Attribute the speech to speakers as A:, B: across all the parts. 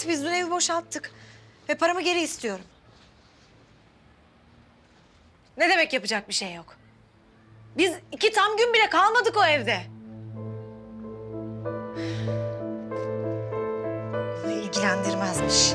A: Evet, biz dün evi boşalttık. Ve paramı geri istiyorum. Ne demek yapacak bir şey yok? Biz 2 tam gün bile kalmadık o evde. Bunu ilgilendirmezmiş.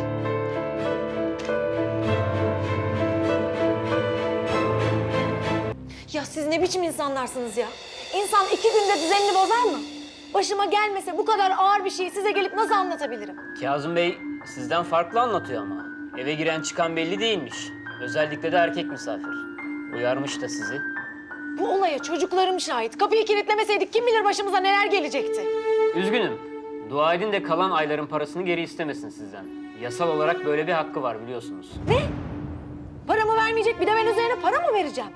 A: Ya siz ne biçim insanlarsınız ya? İnsan 2 günde düzenini bozar mı? Başıma gelmese bu kadar ağır bir şeyi size gelip nasıl anlatabilirim?
B: Kazım Bey sizden farklı anlatıyor ama. Eve giren çıkan belli değilmiş. Özellikle de erkek misafir. Uyarmış da sizi.
A: Bu olaya çocuklarım şahit. Kapıyı kilitlemeseydik kim bilir başımıza neler gelecekti.
B: Üzgünüm. Dua edin de kalan ayların parasını geri istemesin sizden. Yasal olarak böyle bir hakkı var biliyorsunuz.
A: Ne? Paramı vermeyecek, bir de ben üzerine para mı vereceğim?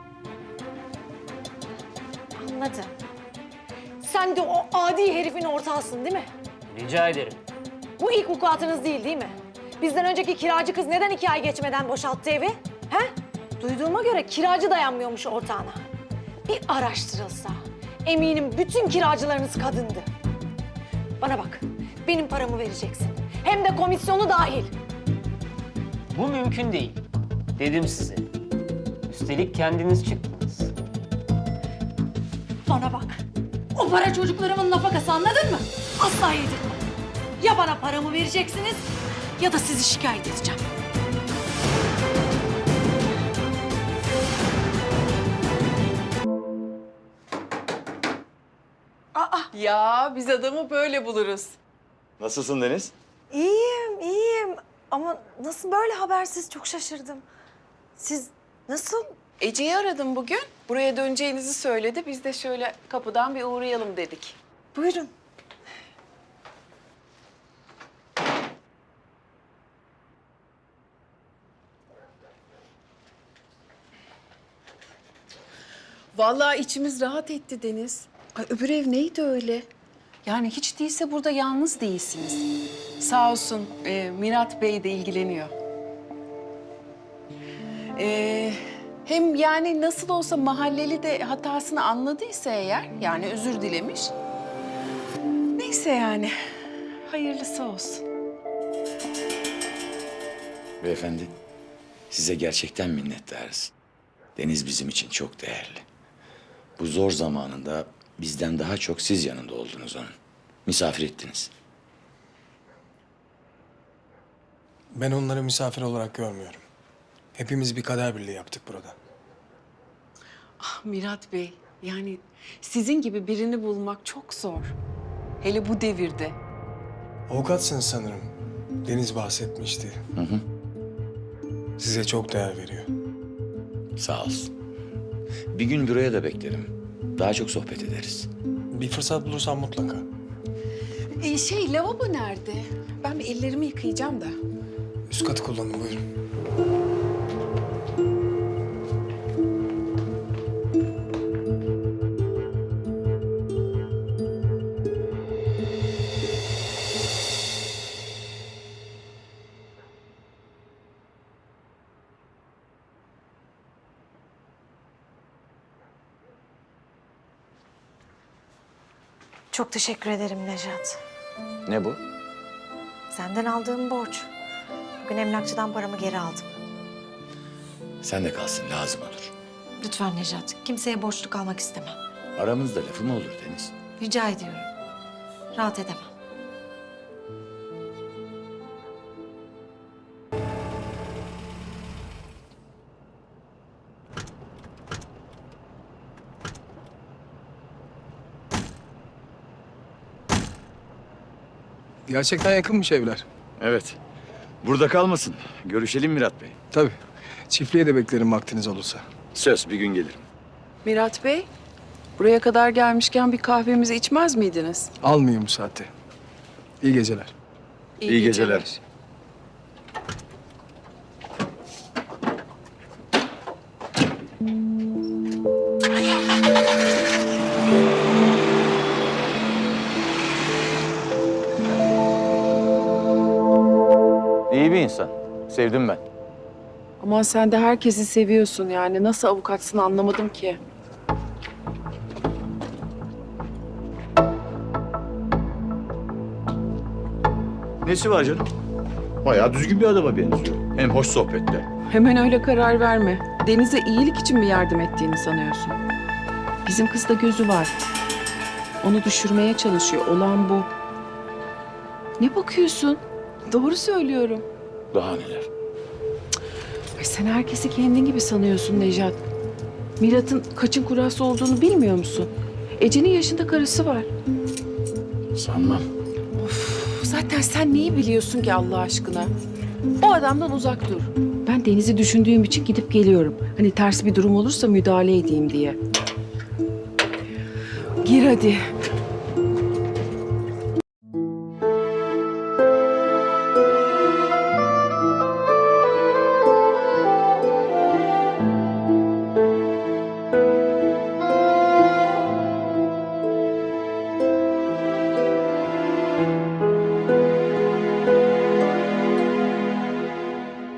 A: Anladım. Sen de o adi herifin ortağısın değil mi?
B: Rica ederim.
A: Bu ilk vukuatınız değil mi? Bizden önceki kiracı kız neden 2 ay geçmeden boşalttı evi? He? Duyduğuma göre kiracı dayanmıyormuş ortağına. Bir araştırılsa eminim bütün kiracılarınız kadındı. Bana bak, benim paramı vereceksin. Hem de komisyonu dahil.
B: Bu mümkün değil. Dedim size. Üstelik kendiniz çıktınız.
A: Bana bak, o para çocuklarımın nafakası, anladın mı? Asla yedirmem. Ya bana paramı vereceksiniz ya da sizi şikayet edeceğim.
C: Ya biz adamı böyle buluruz.
D: Nasılsın Deniz?
A: İyiyim, iyiyim. Ama nasıl böyle habersiz, çok şaşırdım. Siz nasıl?
C: Ece'yi aradım bugün. Buraya döneceğinizi söyledi. Biz de şöyle kapıdan bir uğrayalım dedik.
A: Buyurun.
C: Vallahi içimiz rahat etti Deniz. Ay öbür ev neydi öyle? Yani hiç değilse burada yalnız değilsiniz. Sağ olsun Mirat Bey de ilgileniyor. Hem yani nasıl olsa mahalleli de hatasını anladıysa eğer, yani özür dilemiş. Neyse yani, hayırlısı olsun.
D: Beyefendi, size gerçekten minnettarız. Deniz bizim için çok değerli. Bu zor zamanında bizden daha çok siz yanında oldunuz onun. Misafir ettiniz.
E: Ben onları misafir olarak görmüyorum. Hepimiz bir kader birliği yaptık burada.
C: Ah Mirat Bey, yani sizin gibi birini bulmak çok zor. Hele bu devirde.
E: Avukatsınız sanırım. Deniz bahsetmişti. Size çok değer veriyor.
D: Sağ olsun. Bir gün buraya da beklerim. Daha çok sohbet ederiz.
E: Bir fırsat bulursam mutlaka.
C: Lavabo nerede? Ben bir ellerimi yıkayacağım da.
E: Üst katı kullanın, buyurun.
A: Çok teşekkür ederim Nejat.
D: Ne bu?
A: Senden aldığım borç. Bugün emlakçıdan paramı geri aldım.
D: Sen de kalsın, lazım olur.
A: Lütfen Nejat, kimseye borçlu kalmak istemem.
D: Aramızda lafı mı olur Deniz?
A: Rica ediyorum. Rahat edemem.
E: Gerçekten yakınmış evler.
D: Evet. Burada kalmasın. Görüşelim Mirat Bey.
E: Tabii. Çiftliğe de beklerim vaktiniz olursa.
D: Söz, bir gün gelirim.
C: Mirat Bey, buraya kadar gelmişken bir kahvemizi içmez miydiniz?
E: Almayayım bu saatte. İyi geceler.
D: İyi geceler. İyi bir insan. Sevdim ben.
C: Ama sen de herkesi seviyorsun yani. Nasıl avukatsın anlamadım ki.
D: Nesi var canım?
F: Bayağı düzgün bir adama benziyor. Hem hoş sohbette.
C: Hemen öyle karar verme. Deniz'e iyilik için mi yardım ettiğini sanıyorsun? Bizim kızda gözü var. Onu düşürmeye çalışıyor. Olan bu. Ne bakıyorsun? Doğru söylüyorum.
D: Daha neler?
C: Ay sen herkesi kendin gibi sanıyorsun Nejat. Mirat'ın kaçın kurası olduğunu bilmiyor musun? Ece'nin yaşında karısı var.
D: Sanmam.
C: Zaten sen neyi biliyorsun ki Allah aşkına? O adamdan uzak dur. Ben Deniz'i düşündüğüm için gidip geliyorum. Hani ters bir durum olursa müdahale edeyim diye. Gir hadi.